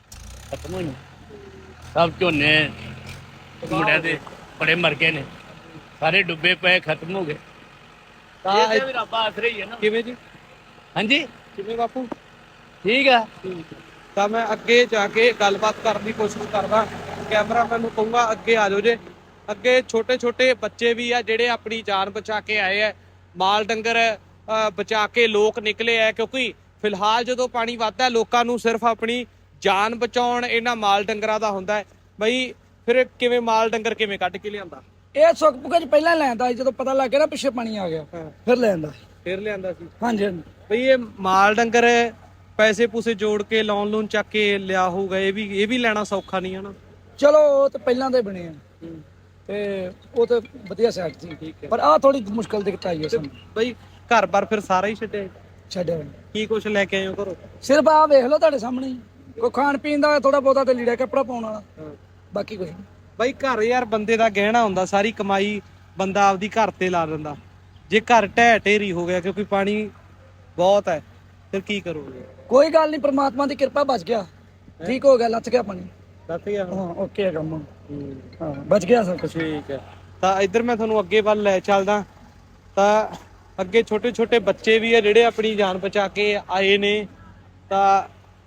Speaker 4: ਖਤਮ ਹੋਈਆਂ ਸਭ ਝੋਨੇ ਮੁੰਡਿਆਂ ਦੇ ਬੜੇ ਮਰ ਗਏ ਨੇ ਸਾਰੇ ਡੁੱਬੇ ਪਏ ਖਤਮ ਹੋ ਗਏ
Speaker 2: ਤਾਂ
Speaker 4: ਇਹ ਵੀ ਰੱਬ ਆਸਰੇ ਹੀ ਹੈ ਨਾ
Speaker 2: ਕਿਵੇਂ ਜੀ
Speaker 4: ਹਾਂਜੀ
Speaker 2: ਕਿਵੇਂ ਬਾਪੂ
Speaker 4: ਠੀਕ ਆ
Speaker 2: ਤਾਂ ਮੈਂ ਅੱਗੇ ਜਾ ਕੇ ਗੱਲਬਾਤ ਕਰਨ ਦੀ ਕੋਸ਼ਿਸ਼ ਕਰਦਾ ਕੈਮਰਾਮੈਨ ਨੂੰ ਕਹੂੰਗਾ ਅੱਗੇ ਆ ਜਾਓ ਜੇ ਅੱਗੇ ਛੋਟੇ ਛੋਟੇ ਬੱਚੇ ਵੀ ਆ ਜਿਹੜੇ ਆਪਣੀ ਜਾਨ ਬਚਾ ਕੇ ਆਏ ਆ ਮਾਲ ਡੰਗਰ ਬਚਾ ਕੇ ਲੋਕ ਨਿਕਲੇ ਆ ਕਿਉਂਕਿ ਫਿਲਹਾਲ ਜਦੋਂ ਪਾਣੀ ਵੱਧਦਾ ਲੋਕਾਂ ਨੂੰ ਸਿਰਫ ਆਪਣੀ ਜਾਨ ਬਚਾਉਣ ਇਹਨਾਂ ਮਾਲ ਡੰਗਰਾਂ ਦਾ ਹੁੰਦਾ ਹੈ ਬਈ ਫਿਰ ਕਿਵੇਂ ਮਾਲ ਡੰਗਰ ਕਿਵੇਂ ਕੱਢ ਕੇ ਲਿਆਂਦਾ
Speaker 7: ਇਹ ਸੁੱਕ ਪੁਕੇ ਚ ਪਹਿਲਾਂ ਲੈਂਦਾ ਸੀ ਜਦੋਂ ਪਤਾ ਲੱਗ ਗਿਆ ਨਾ ਪਿੱਛੇ ਪਾਣੀ ਆ ਗਿਆ ਫਿਰ ਲੈਂਦਾ
Speaker 2: ਫਿਰ ਲਿਆਂਦਾ ਸੀ
Speaker 7: ਹਾਂਜੀ ਹਾਂਜੀ
Speaker 2: ਬਈ ਇਹ ਮਾਲ ਡੰਗਰ ਪੈਸੇ ਪੂਸੇ ਜੋੜ ਕੇ ਲੋਨ ਚੱਕ ਕੇ ਲਿਆ ਹੋਊਗਾ ਇਹ ਵੀ ਲੈਣਾ ਸੌਖਾ ਨਹੀਂ ਹੈ ਨਾ
Speaker 7: ਚਲੋ ਉਹ ਤਾਂ ਪਹਿਲਾਂ ਦੇ ਬਣੇ ਆ ਤੇ ਉਹ ਤਾਂ ਵਧੀਆ ਸਾਈਡ ਸੀ ਪਰ ਆਹ ਥੋੜੀ ਮੁਸ਼ਕਲ ਦਿੱਕਤ ਆਈ ਹੈ ਸਾਨੂੰ
Speaker 2: ਬਈ ਘਰ-ਬਾਰ ਫਿਰ ਸਾਰਾ ਹੀ
Speaker 7: ਛੱਡਿਆ
Speaker 2: ਕੀ ਕੁਛ ਲੈ ਕੇ ਆਏ ਹੋ ਘਰੋਂ
Speaker 7: ਸਿਰਫ ਆਹ ਵੇਖ ਲਓ ਤੁਹਾਡੇ ਸਾਹਮਣੇ ਹੀ। ਕੋਈ ਖਾਣ ਪੀਣ ਦਾ ਥੋੜਾ ਬਹੁਤਾ ਤੇ ਲੀੜਾ ਕੱਪੜਾ ਪਾਉਣ ਵਾਲਾ ਬਾਕੀ ਕੁਝ ਨਹੀਂ।
Speaker 2: ਬਈ ਘਰ ਯਾਰ ਬੰਦੇ ਦਾ ਗਹਿਣਾ ਹੁੰਦਾ ਸਾਰੀ ਕਮਾਈ ਬੰਦਾ ਆਪਦੀ ਘਰ ਤੇ ਲਾ ਦਿੰਦਾ ਜੇ ਘਰ ਢਹਿ ਢੇਰੀ ਹੋ ਗਿਆ ਕਿਉਂਕਿ ਪਾਣੀ ਬਹੁਤ ਹੈ ਫਿਰ ਕੀ ਕਰੋਗੇ
Speaker 7: ਕੋਈ ਗੱਲ ਨਹੀਂ ਪ੍ਰਮਾਤਮਾ ਦੀ ਕਿਰਪਾ ਬਚ ਗਿਆ ਠੀਕ ਹੋ ਗਿਆ ਲੱਥ ਗਿਆ ਪਾਣੀ
Speaker 2: ਦੱਸ ਗਿਆ
Speaker 7: ਹਾਂ ਓਕੇ ਹੈ ਕੰਮ ਹਾਂ ਬਚ ਗਿਆ ਸਭ ਕੁਝ
Speaker 2: ਠੀਕ ਹੈ ਤਾਂ ਇੱਧਰ ਮੈਂ ਤੁਹਾਨੂੰ ਅੱਗੇ ਵੱਲ ਲੈ ਚੱਲਦਾ ਤਾਂ ਅੱਗੇ ਛੋਟੇ ਛੋਟੇ ਬੱਚੇ ਵੀ ਆ ਜਿਹੜੇ ਆਪਣੀ ਜਾਨ ਬਚਾ ਕੇ ਆਏ ਨੇ ਤਾਂ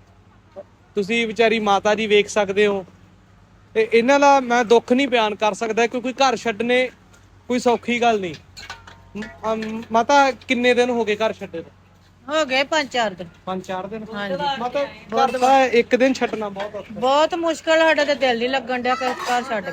Speaker 2: ਤੁਸੀਂ ਵਿਚਾਰੀ ਮਾਤਾ ਜੀ ਵੇਖ ਸਕਦੇ ਹੋ ਤੇ ਇਹਨਾਂ ਦਾ ਮੈਂ ਦੁੱਖ ਨਹੀਂ ਬਿਆਨ ਕਰ ਸਕਦਾ ਕਿਉਂਕਿ ਘਰ ਛੱਡਣੇ ਕੋਈ ਸੌਖੀ ਗੱਲ ਨਹੀਂ ਮਾਤਾ ਕਿੰਨੇ ਦਿਨ ਹੋ ਗਏ ਘਰ ਛੱਡੇ ਨੂੰ
Speaker 5: ਹੋ ਗਏ 5-4 ਦਿਨ
Speaker 2: 5-4 ਦਿਨ
Speaker 5: ਹਾਂਜੀ
Speaker 2: ਮਾਤਾ ਘਰ ਦਾ ਇੱਕ ਦਿਨ ਛੱਡਣਾ ਬਹੁਤ ਔਖਾ
Speaker 5: ਬਹੁਤ ਮੁਸ਼ਕਲ ਸਾਡਾ ਤੇ ਦਿਲ ਨਹੀਂ ਲੱਗਣ ਡਿਆ ਘਰ ਛੱਡ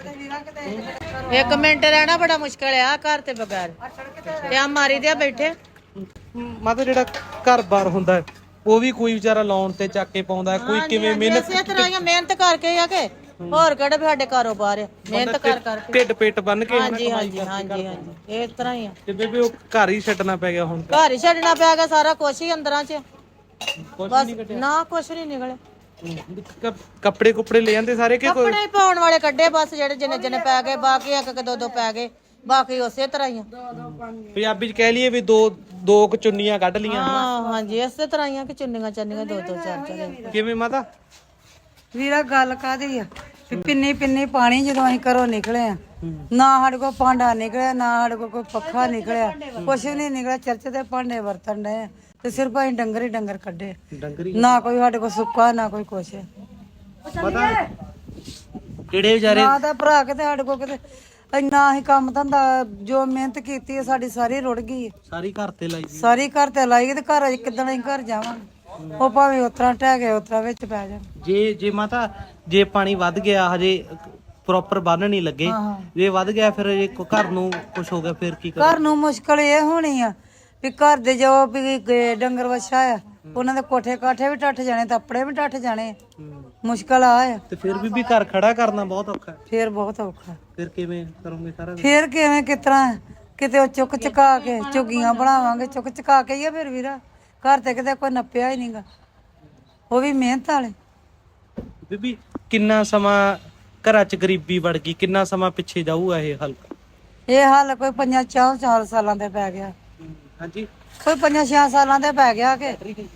Speaker 5: ਕੇ ਇੱਕ ਮਿੰਟ ਰਹਿਣਾ ਬੜਾ ਮੁਸ਼ਕਲ ਆ ਘਰ ਤੇ ਬਗੈਰ ਤੇ ਆ ਮਾਰੀ ਦੇ ਬੈਠੇ
Speaker 2: ਮਾਤਾ ਜਿਹੜਾ ਘਰ-ਬਾਰ ਹੁੰਦਾ ਹੈ ਉਹ ਵੀ ਕੋਈ ਵਿਚਾਰਾ ਲੋਨ ਤੇ ਚੱਕ ਕੇ ਪਾਉਂਦਾ ਕੋਈ ਕਿਵੇਂ ਮਿਹਨਤ
Speaker 5: ਇਸੇ ਤਰ੍ਹਾਂ ਹੀ ਮਿਹਨਤ ਕਰਕੇ ਆ ਕੇ ਹੋਰ ਕਿਹੜੇ ਵੀ ਸਾਡੇ ਕਾਰੋਬਾਰ ਆ ਮਿਹਨਤ ਕਰਕੇ
Speaker 2: ਢਿੱਡ ਪੇਟ ਬੰਨ ਕੇ
Speaker 5: ਹਾਂਜੀ ਹਾਂਜੀ ਹਾਂਜੀ ਹਾਂਜੀ ਇਸ ਤਰ੍ਹਾਂ ਹੀ ਆ
Speaker 2: ਤੇ ਬੇਬੇ ਉਹ ਘਰ ਹੀ ਛੱਡਣਾ ਪੈ ਗਿਆ ਹੁਣ
Speaker 5: ਘਰ ਹੀ ਛੱਡਣਾ ਪਿਆ ਗਿਆ ਸਾਰਾ ਕੁਛ ਹੀ ਅੰਦਰਾਂ 'ਚ
Speaker 2: ਕੁਛ
Speaker 5: ਬਸ
Speaker 2: ਨਹੀਂ ਕੱਢਿਆ
Speaker 5: ਨਾ ਕੁਛ ਨਹੀਂ ਨਿਕਲੇ
Speaker 2: ਕੱਪੜੇ ਕੁਪੜੇ ਲੈ ਜਾਂਦੇ ਸਾਰੇ ਕਿ ਕੋਈ
Speaker 5: ਕੱਪੜੇ ਪਾਉਣ ਵਾਲੇ ਕੱਢੇ ਬਸ ਜਿਹੜੇ ਜਿੰਨੇ ਪੈ ਗਏ ਬਾਕੀ ਇੱਕ ਇੱਕ ਦੋ ਪੈ ਗਏ ਬਾਕੀ ਉਸੇ ਤਰ੍ਹਾਂ ਹੀ ਆ
Speaker 2: ਪੰਜਾਬੀ ਚ ਕਹਿ ਲਈਏ ਵੀ ਦੋ ਕੁ ਚੁੰਨੀਆਂ ਕੱਢ ਲੀਆਂ
Speaker 5: ਹਾਂ ਹਾਂਜੀ ਇਸੇ ਤਰ੍ਹਾਂ ਹੀ ਆ ਕਿ ਚੁੰਨੀਆਂ ਚਾਨੀਆਂ ਦੋ ਚਾਰ
Speaker 2: ਕਿਵੇਂ ਮਾਤਾ
Speaker 3: ਵੀਰਾ ਗੱਲ ਕਾਦੀ ਆ ਵੀ ਪਿੰਨੀ ਪਾਣੀ ਜਦੋਂ ਅਸੀਂ ਘਰੋਂ ਨਿਕਲੇ ਆ ਨਾ ਸਾਡੇ ਕੋਲ ਭਾਂਡਾ ਨਿਕਲਿਆ ਨਾ ਸਾਡੇ ਕੋਲ ਕੋਈ ਪੱਖਾ ਨਿਕਲਿਆ ਕੁਛ ਵੀ ਨਹੀਂ ਨਿਕਲਿਆ ਚਰਚ ਦੇ ਭਾਂਡੇ ਵਰਤਣ ਡਏ ਤੇ ਸਿਰਫ ਅਸੀਂ ਡੰਗਰ ਹੀ ਡੰਗਰ ਕੱਢੇ
Speaker 2: ਡੰਗਰੀ
Speaker 3: ਨਾ ਕੋਈ ਸਾਡੇ ਕੋਲ ਸੁੱਕਾ ਨਾ ਕੋਈ ਕੁਛ
Speaker 2: ਪਤਾ ਕਿਹੜੇ ਵਿਚਾਰੇ
Speaker 3: ਨਾ ਤਾਂ ਭਰਾ ਕਿਤੇ ਸਾਡੇ ਕੋਲ ਕਿਤੇ ਇੰਨਾ ਅਸੀਂ ਕੰਮ ਧੰਦਾ ਜੋ ਮਿਹਨਤ ਕੀਤੀ ਹੈ ਸਾਡੀ ਸਾਰੀ ਰੁੜ ਗਈ ਹੈ।
Speaker 2: ਸਾਰੀ ਘਰ ਤੇ ਲਾਈ
Speaker 3: ਸਾਰੀ ਘਰ ਤੇ ਲਾਈ ਤੇ ਘਰ ਕਿੱਦਣ ਅਸੀਂ ਘਰ ਜਾਵਾਂਗੇ ਉਹ ਭਾਵੇਂ ਉਤਰਾ ਟਹਿ ਗਏ ਉਤਰਾ ਵਿੱਚ ਪੈ ਜਾਣ
Speaker 2: ਜੇ ਮਾਤਾ ਜੇ ਪਾਣੀ ਵੱਧ ਗਿਆ ਹਜੇ ਪ੍ਰੋਪਰ ਬੰਨ ਨਹੀਂ ਲੱਗੇ ਜੇ ਵੱਧ ਗਿਆ ਫਿਰ ਜੇ ਘਰ ਨੂੰ ਕੁਝ ਹੋ ਗਿਆ ਫਿਰ ਕੀ
Speaker 3: ਘਰ ਨੂੰ ਮੁਸ਼ਕਲ ਇਹ ਹੋਣੀ ਆ ਵੀ ਘਰ ਦੇ ਜੋ ਵੀ ਡੰਗਰ ਵੱਛਾ ਆ ਉਹਨਾਂ ਦੇ ਕੋਠੇ ਕਾਠੇ ਵੀ ਟੱਟ ਜਾਣੇ ਤੇ ਆਪਣੇ ਵੀ ਟੱਟ ਜਾਣੇ ਮੁਸ਼ਕਲ ਆ
Speaker 2: ਤੇ ਫਿਰ ਵੀ ਘਰ ਖੜਾ ਕਰਨਾ ਬਹੁਤ ਔਖਾ
Speaker 3: ਫੇਰ ਬਹੁਤ ਔਖਾ
Speaker 2: ਫਿਰ ਕਿਵੇਂ ਕਰੋਗੇ ਸਾਰਾ
Speaker 3: ਫੇਰ ਕਿਵੇਂ ਕਿਤਰਾ ਕਿਤੇ ਉਹ ਚੁੱਕ ਚੁਕਾ ਕੇ ਝੁੱਗੀਆਂ ਬਣਾਵਾਂਗੇ ਚੁੱਕ ਚੁਕਾ ਕੇ ਹੀ ਆ ਫਿਰ ਵੀਰਾ ਘਰ ਤੇ ਕਿਤੇ ਕੋਈ ਨੱਪਿਆ ਹੀ ਨਹੀਂਗਾ ਉਹ ਵੀ ਮਿਹਨਤ ਵਾਲੇ
Speaker 2: ਬੀਬੀ ਕਿੰਨਾ ਸਮਾਂ ਘਰਾਂ 'ਚ ਗਰੀਬੀ ਵੜ ਗਈ ਕਿੰਨਾ ਸਮਾਂ ਪਿੱਛੇ ਜਾਊਗਾ ਇਹ ਹਲਕਾ
Speaker 3: ਇਹ ਹਾਲ ਕੋਈ 5-4 ਸਾਲਾਂ ਦੇ ਪੈ ਗਿਆ
Speaker 2: ਹਾਂਜੀ
Speaker 3: ਕੋਈ 5-6 ਸਾਲਾਂ ਦੇ ਪੈ ਗਿਆ ਕਿ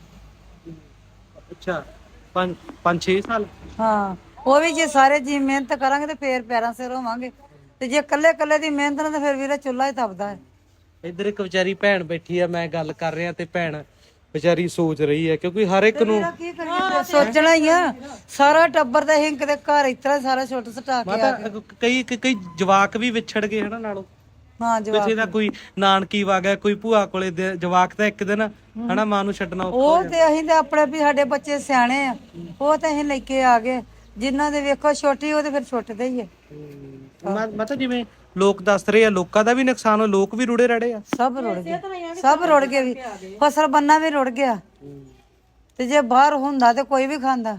Speaker 2: ਅੱਛਾ 5-6 ਸਾਲ
Speaker 3: ਹਾਂ ਉਹ ਵੀ ਜੇ ਸਾਰੇ ਜੀ ਮਿਹਨਤ ਕਰਾਂਗੇ ਤੇ ਫੇਰ ਪੈਰਾਂ ਸਿਰ ਹੋਵਾਂਗੇ ਤੇ ਜੇ ਕੱਲੇ ਦੀ ਮਿਹਨਤ ਨਾਲ ਤਾਂ ਫਿਰ ਵੀਰਾ ਚੁੱਲ੍ਹਾ ਹੀ ਤਪਦਾ ਹੈ
Speaker 2: ਇੱਧਰ ਇੱਕ ਵਿਚਾਰੀ ਭੈਣ ਬੈਠੀ ਆ ਮੈਂ ਗੱਲ ਕਰ ਰਿਹਾ ਤੇ ਭੈਣ ਵਿਚਾਰੀ ਸੋਚ ਰਹੀ ਹੈ ਕਿਉਂਕਿ ਹਰ ਇੱਕ ਨੂੰ
Speaker 3: ਸੋਚਣਾ ਹੀ ਆ ਸਾਰਾ ਟੱਬਰ ਦਾ ਹਿੰਕ ਦੇ ਘਰ ਇਤਰਾ ਸਾਰਾ ਛੁੱਟ ਸਟਾ ਕੇ ਆ
Speaker 2: ਮਾਤਾ ਕਈ ਜਵਾਕ ਵੀ ਵਿਛੜ ਗਏ ਹਨਾ ਨਾਲੋਂ
Speaker 3: ਹਾਂ ਜਵਾਬ
Speaker 2: ਕਿਸੇ ਦਾ ਕੋਈ ਨਾਨਕੀ ਵਾ ਗਿਆ ਕੋਈ ਭੂਆ ਕੋਲੇ ਜਵਾਕ ਤਾਂ ਇੱਕ ਦਿਨ ਹਨਾ ਮਾਂ ਨੂੰ ਛੱਡਣਾ
Speaker 3: ਉਹ ਤੇ ਅਸੀਂ ਤੇ ਆਪਣੇ ਵੀ ਸਾਡੇ ਬੱਚੇ ਸਿਆਣੇ ਆ ਉਹ ਤੇ ਅਸੀਂ ਲੈ ਕੇ ਆ ਗਏ ਜਿਨ੍ਹਾਂ ਦੇ ਵੇਖੋ ਛੋਟੀ ਉਹ ਤੇ ਫਿਰ ਛੁੱਟਦੇ ਹੀ ਆ
Speaker 2: ਮਾਤਾ ਜਿਵੇਂ ਲੋਕ ਦੱਸ ਰਹੇ ਆ ਲੋਕਾਂ ਦਾ ਵੀ ਨੁਕਸਾਨ ਹੋ ਲੋਕ ਵੀ ਰੁੜੇ ਰੜੇ ਆ
Speaker 3: ਸਭ ਰੁੜ ਗਏ ਸਭ ਰੁੜ ਗਏ ਵੀ ਫਸਲ ਬੰਨਾ ਵੀ ਰੁੜ ਗਿਆ ਤੇ ਜੇ ਬਾਹਰ ਹੁੰਦਾ ਤੇ ਕੋਈ ਵੀ ਖਾਂਦਾ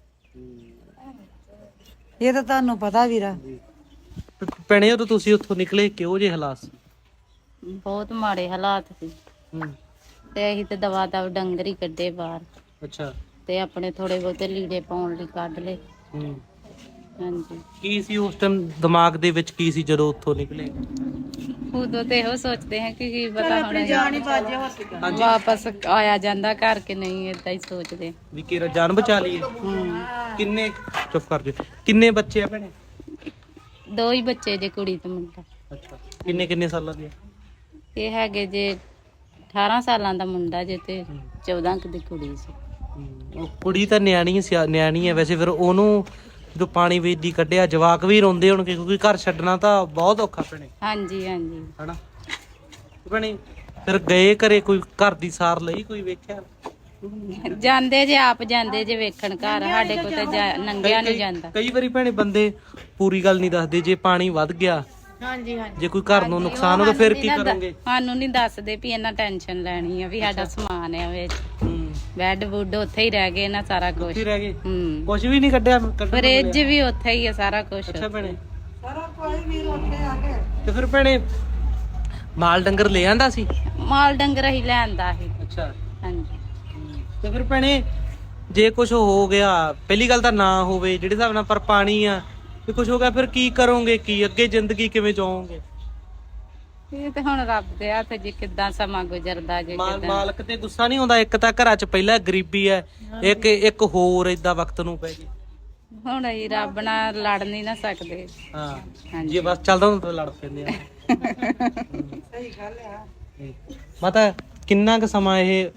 Speaker 3: ਇਹ ਤਾਂ ਤੁਹਾਨੂੰ ਪਤਾ ਵੀਰਾ
Speaker 2: ਭੈਣੇ ਉਦੋਂ ਤੁਸੀਂ ਉੱਥੋਂ ਨਿਕਲੇ ਕਿਹੋ ਜਿਹੇ ਹਾਲਾਤ ਸੀ
Speaker 8: ਬਹੁਤ ਮਾੜੇ ਹਾਲਾਤ ਸੀ ਤੇ ਅਸੀਂ ਤੇ ਦਵਾ ਡੰਗਰ ਹੀ ਕੱਢੇ ਬਾਹਰ
Speaker 2: ਅੱਛਾ
Speaker 8: ਤੇ ਆਪਣੇ ਥੋੜੇ ਬਹੁਤੇ ਲੀੜੇ ਪਾਉਣ ਲਈ ਕੱਢ ਲਏ ਹਾਂਜੀ
Speaker 2: ਕੀ ਸੀ ਉਸ ਟਾਈਮ ਦਿਮਾਗ ਦੇ ਵਿੱਚ ਕੀ ਸੀ ਜਦੋਂ ਉੱਥੋਂ ਨਿਕਲੇ
Speaker 8: ਉਦੋਂ ਤੇ ਇਹੋ ਸੋਚਦੇ ਹਾਂ ਕਿ ਕੀ ਪਤਾ ਹੁਣ ਵਾਪਸ ਆਇਆ ਜਾਂਦਾ ਘਰ ਕਿ ਨਹੀਂ, ਏਦਾਂ ਹੀ ਸੋਚਦੇ।
Speaker 2: ਵੀ ਕਿਹੜਾ ਜਾਨ ਬਚਾ ਲਈਏ। ਕਿੰਨੇ ਚੁੱਪ ਕਰ ਜਾ, ਕਿੰਨੇ ਬੱਚੇ ਆ ਭੈਣੇ?
Speaker 8: 2 ਹੀ ਬੱਚੇ ਜੇ, ਕੁੜੀ ਤੇ ਮੁੰਡਾ।
Speaker 2: ਅੱਛਾ, ਕਿੰਨੇ ਸਾਲਾਂ ਦੇ?
Speaker 8: ਇਹ ਹੈਗੇ ਜੇ 18 ਸਾਲਾਂ ਦਾ ਮੁੰਡਾ ਜੇ ਤੇ 14 ਕੁ ਦੀ ਕੁੜੀ ਸੀ।
Speaker 2: ਉਹ ਕੁੜੀ ਤਾਂ ਨਿਆਣੀ ਹੈ ਵੈਸੇ, ਫਿਰ ਉਹਨੂੰ ਜਦੋਂ ਪਾਣੀ ਵਿੱਚ ਦੀ ਕੱਢਿਆ ਜਵਾਕ ਵੀ ਰੋਂਦੇ ਹੋਣਗੇ ਕਿਉਂਕਿ ਘਰ ਛੱਡਣਾ ਤਾਂ ਬਹੁਤ ਔਖਾ ਭੈਣੇ।
Speaker 8: ਹਾਂਜੀ ਹਾਂਜੀ
Speaker 2: ਹਨਾ ਭੈਣੇ? ਫਿਰ ਗਏ ਘਰੇ, ਕੋਈ ਘਰ ਦੀ ਸਾਰ ਲਈ, ਕੋਈ ਵੇਖਿਆ?
Speaker 8: ਜਾਂਦੇ ਜੇ, ਆਪ ਜਾਂਦੇ ਜੇ ਵੇਖਣ ਘਰ, ਸਾਡੇ ਕੋਲ ਤਾਂ ਨੰਗਿਆ ਨਹੀਂ ਜਾਂਦਾ।
Speaker 2: ਕਈ ਵਾਰੀ ਭੈਣੇ ਬੰਦੇ ਪੂਰੀ ਗੱਲ ਨਹੀਂ ਦੱਸਦੇ, ਜੇ ਪਾਣੀ ਵੱਧ ਗਿਆ,
Speaker 5: ਹਾਂਜੀ ਹਾਂਜੀ,
Speaker 2: ਜੇ ਕੋਈ ਘਰ ਨੂੰ ਨੁਕਸਾਨ ਹੋ ਗਿਆ ਫਿਰ ਕੀ ਕਰੋਗੇ?
Speaker 8: ਸਾਨੂੰ ਨਹੀਂ ਦੱਸਦੇ ਵੀ ਇਹਨਾਂ ਟੈਨਸ਼ਨ ਲੈਣੀ ਆ ਵੀ ਸਾਡਾ ਸਮਾਨ ਆ ਵਿੱਚ, ਬੈੱਡ ਬੁੱਡ ਉੱਥੇ ਹੀ ਰਹਿ ਗਏ ਨਾ, ਸਾਰਾ ਕੁਝ
Speaker 2: ਉੱਥੇ ਰਹਿ ਗਏ, ਕੁਝ ਵੀ ਨਹੀਂ ਕੱਢਿਆ?
Speaker 8: ਫਰਿੱਜ ਵੀ ਉੱਥੇ ਹੀ ਆ, ਸਾਰਾ ਕੁਝ।
Speaker 2: ਅੱਛਾ ਭੈਣੇ, ਸਾਰਾ ਕੁਝ ਵੀ ਉੱਥੇ ਆ ਗਿਆ। ਤੇ ਫਿਰ ਭੈਣੇ ਮਾਲ ਡੰਗਰ ਲੈ ਆਂਦਾ ਸੀ?
Speaker 8: ਮਾਲ ਡੰਗਰ ਹੀ ਲੈਂਦਾ ਸੀ।
Speaker 2: ਅੱਛਾ,
Speaker 8: ਹਾਂਜੀ।
Speaker 2: ਤੇ ਫਿਰ ਭੈਣੇ ਜੇ ਕੁਝ ਹੋ ਗਿਆ, ਪਹਿਲੀ ਗੱਲ ਤਾਂ ਨਾ ਹੋਵੇ ਜਿਹੜੇ ਹਿਸਾਬ ਨਾਲ, ਪਰ ਪਾਣੀ ਆ ਤੇ ਕੁਝ ਹੋ ਗਿਆ, ਫਿਰ ਕੀ ਕਰੋਗੇ? ਕੀ ਅੱਗੇ ਜ਼ਿੰਦਗੀ ਕਿਵੇਂ ਜਿਓਗੇ?
Speaker 8: ਇਹ ਤੇ ਹੁਣ ਰੱਬ ਦੇ ਹੱਥ ਜੀ, ਕਿੱਦਾਂ ਸਮਾਂ ਗੁਜ਼ਰਦਾ ਜੇ।
Speaker 2: ਮਾਲਕ ਤੇ ਗੁੱਸਾ ਨਹੀਂ ਹੁੰਦਾ? ਇੱਕ ਤਾਂ ਘਰਾਂ 'ਚ ਪਹਿਲਾਂ ਗਰੀਬੀ ਹੈ, ਇੱਕ ਹੋਰ ਏਦਾਂ ਵਕਤ ਨੂੰ ਪੈ ਗਈ।
Speaker 8: ਹੁਣ ਅਸੀਂ ਰੱਬ ਨਾਲ ਲੜ ਨਹੀਂ ਨਾ ਸਕਦੇ।
Speaker 2: ਹਾਂ, ਜੇ ਬਸ ਚੱਲਦਾ ਹੁੰਦਾ ਤਾਂ ਲੜ ਪੈਂਦੇ ਆ। ਸਹੀ ਗੱਲ ਆ। ਮਾਤਾ ਕਿੰਨਾ ਕੁ ਸਮਾਂ ਇਹ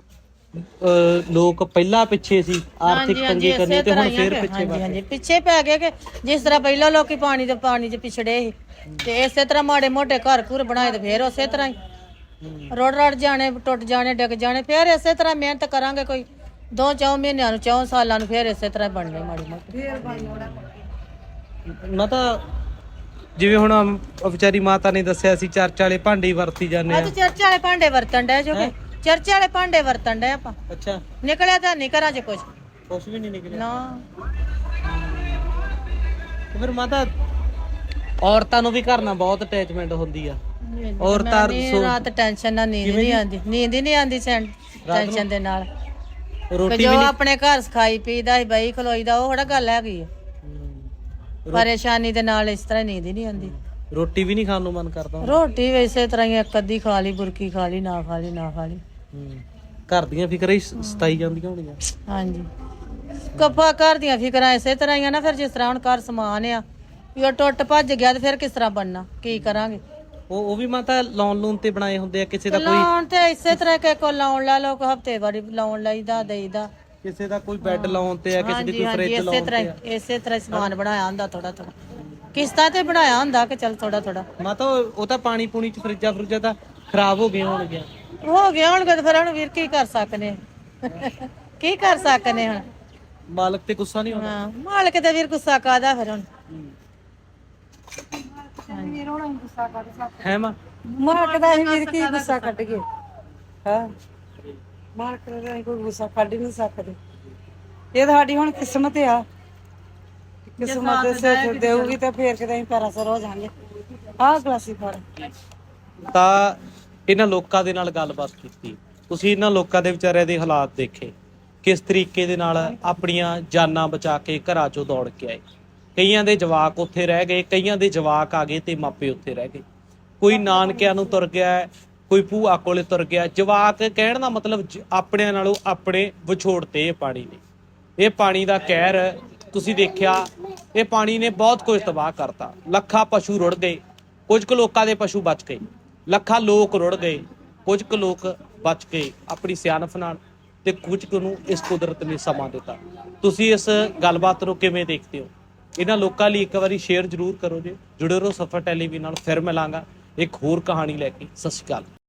Speaker 2: ਲੋਕ ਪਹਿਲਾਂ ਪਿੱਛੇ ਸੀ, ਆਰਥਿਕ ਤੰਗੀ ਕਰਨੀ, ਤੇ ਹੁਣ ਫੇਰ ਪਿੱਛੇ ਪੈ ਗਏ?
Speaker 5: ਪਿੱਛੇ ਪੈ ਗਏ ਕਿ ਜਿਸ ਤਰ੍ਹਾਂ ਪਹਿਲਾਂ ਲੋਕੀ ਪਾਣੀ 'ਚ ਪਿਛੜੇ ਸੀ, ਤੇ ਇਸੇ ਤਰ੍ਹਾਂ ਮਾੜੇ ਮੋਟੇ ਘਰ ਘੁਰ ਬਣਾਏ ਤੇ ਫੇਰ ਉਸੇ ਤਰ੍ਹਾਂ ਹੀ ਰੋੜ ਜਾਣੇ, ਟੁੱਟ ਜਾਣੇ, ਡਿੱਗ ਜਾਣੇ, ਫੇਰ ਇਸੇ ਤਰ੍ਹਾਂ ਮਿਹਨਤ ਕਰਾਂਗੇ ਕੋਈ 2-4 ਮਹੀਨਿਆਂ ਨੂੰ, 4 ਸਾਲਾਂ ਨੂੰ, ਫੇਰ ਇਸੇ ਤਰ੍ਹਾਂ ਬਣਨੇ ਮਾੜੀ ਮੋਟੀ।
Speaker 2: ਮਾਤਾ ਜਿਵੇਂ ਹੁਣ ਵਿਚਾਰੀ ਮਾਤਾ ਨੇ ਦੱਸਿਆ ਸੀ, ਚਰਚ ਵਾਲੇ ਭਾਂਡੇ ਹੀ ਵਰਤੀ ਜਾਂਦੇ ਆ।
Speaker 5: ਅੱਜ ਚਰਚ ਵਾਲੇ ਭਾਂਡੇ ਵਰਤਣ ਡਏ ਜੋ ਕਿ ਚਰਚ ਵਾਲੇ ਭਾਂਡੇ ਵਰਤਣ ਡਏ ਆਪਾਂ।
Speaker 2: ਅੱਛਾ,
Speaker 5: ਨਿਕਲਿਆ ਤਾਂ ਨਹੀਂ ਘਰਾਂ 'ਚ ਕੁਝ
Speaker 2: ਵੀ ਨਹੀਂ ਨਿਕਲਿਆ
Speaker 5: ਨਾ।
Speaker 2: ਫਿਰ ਮਾਤਾ ਔਰਤਾਂ ਨੂੰ ਵੀ ਘਰ ਨਾਲ ਬਹੁਤ ਅਟੈਚਮੈਂਟ ਹੁੰਦੀ ਆ। ਔਰਤਾਂ
Speaker 5: ਰਾਤ ਟੈਨਸ਼ਨ ਨਾਲ ਨੀਂਦ ਨਹੀਂ ਆਉਂਦੀ, ਨੀਂਦ ਹੀ ਨਹੀਂ ਆਉਂਦੀ ਟੈਨਸ਼ਨ ਦੇ ਨਾਲ।
Speaker 2: ਰੋਟੀ
Speaker 5: ਜੋ ਆਪਣੇ ਘਰ ਖਾਈ ਪੀਦਾ ਹੀ ਬਈ ਖਲੋਈਦਾ, ਉਹ ਥੋੜਾ ਗੱਲ ਹੈਗੀ ਆ। ਪਰੇਸ਼ਾਨੀ ਦੇ ਨਾਲ ਇਸ ਤਰ੍ਹਾਂ ਨੀਂਦ ਹੀ ਨਹੀਂ ਆਉਂਦੀ।
Speaker 2: ਰੋਟੀ ਵੀ ਨਹੀਂ ਖਾਣ ਨੂੰ ਮਨ ਕਰਦਾ?
Speaker 5: ਰੋਟੀ ਵੈਸੇ ਤਰ੍ਹਾਂ ਹੀ ਇੱਕ ਅੱਧੀ ਖਾ ਲਈ, ਬੁਰਕੀ ਖਾ ਲਈ, ਨਾ ਖਾ ਲਈ, ਨਾ ਖਾ ਲਈ।
Speaker 2: ਘਰ ਦੀਆਂ ਫਿਕਰਾਂ ਹੀ ਸਤਾਈ ਜਾਂਦੀਆਂ ਹੋਣੀਆਂ।
Speaker 5: ਹਾਂਜੀ, ਕੱਪਾ ਘਰ ਦੀਆਂ ਫਿਕਰਾਂ ਇਸੇ ਤਰ੍ਹਾਂ ਹੀ ਆ ਨਾ। ਫਿਰ ਜਿਸ ਤਰ੍ਹਾਂ ਹੁਣ ਘਰ ਸਮਾਨ ਆ, ਵੀ ਉਹ ਟੁੱਟ ਭੱਜ ਗਿਆ ਤੇ ਫਿਰ ਕਿਸ ਤਰ੍ਹਾਂ ਬਣਨਾ, ਕੀ ਕਰਾਂਗੇ?
Speaker 2: ਉਹ ਵੀ ਮਾਤਾ ਲੋਨ ਤੇ ਬਣਾਏ ਹੁੰਦੇ ਆ ਕਿਸੇ ਦਾ? ਕੋਈ
Speaker 5: ਲਾਉਣ ਤੇ ਇਸੇ ਤਰ੍ਹਾਂ ਕਿ ਕੋ ਲਾਉਣ ਲਾ ਲੋ, ਹਫਤੇ ਵਾਰੀ ਲਾਉਣ ਲਾਈਦਾ, ਦੇਈਦਾ।
Speaker 2: ਕਿਸੇ ਦਾ ਕੋਈ ਬੈੱਡ ਲਾਉਣ ਤੇ ਆ, ਕਿਸੇ ਦੀ ਕੋਈ ਫ੍ਰਿਜ ਲਾਉਣ ਤੇ ਆ।
Speaker 5: ਇਸੇ ਤਰ੍ਹਾਂ ਸਮਾਨ ਬਣਾਇਆ ਹੁੰਦਾ, ਥੋੜਾ ਥੋੜਾ ਕਿਸ਼ਤਾਂ ਤੇ ਬਣਾਇਆ ਹੁੰਦਾ ਕਿ ਚੱਲ ਥੋੜਾ ਥੋੜਾ।
Speaker 2: ਮਾਤਾ ਉਹ ਤਾਂ ਪਾਣੀ ਪੂਣੀ ਚ ਫਰਿੱਜਾਂ ਤਾਂ ਖਰਾਬ ਹੋ ਗਏ ਹੋਣਗੇ
Speaker 5: ਤੇ ਫਿਰ ਹੁਣ ਵੀਰ ਕੀ ਕਰ ਸਕਨੇ? ਕੀ ਕਰ ਸਕਨੇ ਹੁਣ?
Speaker 2: ਮਾਲਕ ਤੇ ਗੁੱਸਾ ਨਹੀਂ ਹੁੰਦਾ?
Speaker 5: ਹਾਂ, ਮਾਲਕ ਤੇ ਵੀਰ ਗੁੱਸਾ ਕਾਦਾ ਫਿਰ ਹੁਣ?
Speaker 2: ਹੈ ਮਾਂ,
Speaker 3: ਮਾਲਕ ਦਾ ਅਸੀਂ ਵੀਰ ਕੀ ਗੁੱਸਾ ਕੱਢ ਗਏ? ਹਾਂ, ਮਾਲਕ ਦਾ ਅਸੀਂ ਕੋਈ ਗੁੱਸਾ ਕੱਢ ਨਹੀਂ ਸਕਦੇ। ਇਹ ਤਾਂ ਸਾਡੀ ਹੁਣ ਕਿਸਮਤ ਆ, ਕਿਸਮਤ ਦੇ ਸਿਰ ਦੇਊਗੀ ਤੇ ਫੇਰ ਕਿਤੇ ਅਸੀਂ ਪੈਰਾਂ ਸਿਰ ਹੋ ਜਾਾਂਗੇ। ਆਹ ਗਲਾਸੀ ਫੜ।
Speaker 2: ਤਾਂ ਇਹਨਾਂ ਲੋਕਾਂ ਦੇ ਨਾਲ ਗੱਲਬਾਤ ਕੀਤੀ, ਤੁਸੀਂ ਇਹਨਾਂ ਲੋਕਾਂ ਦੇ ਵਿਚਾਰਿਆਂ ਦੇ ਹਾਲਾਤ ਦੇਖੇ, ਕਿਸ ਤਰੀਕੇ ਦੇ ਨਾਲ ਆਪਣੀਆਂ ਜਾਨਾਂ ਬਚਾ ਕੇ ਘਰਾਂ ਚੋਂ ਦੌੜ ਕੇ ਆਏ। ਕਈਆਂ ਦੇ ਜਵਾਕ ਉੱਥੇ ਰਹਿ ਗਏ, ਕਈਆਂ ਦੇ ਜਵਾਕ ਆ ਗਏ ਤੇ ਮਾਪੇ ਉੱਥੇ ਰਹਿ ਗਏ। ਕੋਈ ਨਾਨਕਿਆਂ ਨੂੰ ਤੁਰ ਗਿਆ, ਕੋਈ ਭੂਆ ਕੋਲੇ ਤੁਰ ਗਿਆ। ਜਵਾਕ ਕਹਿਣ ਦਾ ਮਤਲਬ ਆਪਣਿਆਂ ਨਾਲੋਂ ਆਪਣੇ ਵਿਛੋੜਤੇ ਇਹ ਪਾਣੀ ਨੇ। ਇਹ ਪਾਣੀ ਦਾ ਕਹਿਰ ਤੁਸੀਂ ਦੇਖਿਆ, ਇਹ ਪਾਣੀ ਨੇ ਬਹੁਤ ਕੁਝ ਤਬਾਹ ਕਰਤਾ। ਲੱਖਾਂ ਪਸ਼ੂ ਰੁੜ ਗਏ, ਕੁਝ ਕੁ ਲੋਕਾਂ ਦੇ ਪਸ਼ੂ ਬਚ ਗਏ, ਲੱਖਾਂ ਲੋਕ ਰੁੜ ਗਏ, ਕੁਝ ਕੁ ਲੋਕ ਬਚ ਗਏ ਆਪਣੀ ਸਿਆਣਪ ਨਾਲ, ਤੇ ਕੁਝ ਕੁ ਨੂੰ ਇਸ ਕੁਦਰਤ ਨੇ ਸਮਾਂ ਦਿੱਤਾ। ਤੁਸੀਂ ਇਸ ਗੱਲਬਾਤ ਨੂੰ ਕਿਵੇਂ ਦੇਖਦੇ ਹੋ? ਇਹਨਾਂ ਲੋਕਾਂ ਲਈ ਇੱਕ ਵਾਰੀ ਸ਼ੇਅਰ ਜ਼ਰੂਰ ਕਰੋ ਜੀ। ਜੁੜੇ ਰਹੋ ਸਫਰ ਟੈਲੀਵਿਜ਼ਨ ਨਾਲ। ਫਿਰ ਮਿਲਾਂਗਾ ਇੱਕ ਹੋਰ ਕਹਾਣੀ ਲੈ ਕੇ। ਸਤਿ ਸ਼੍ਰੀ ਅਕਾਲ।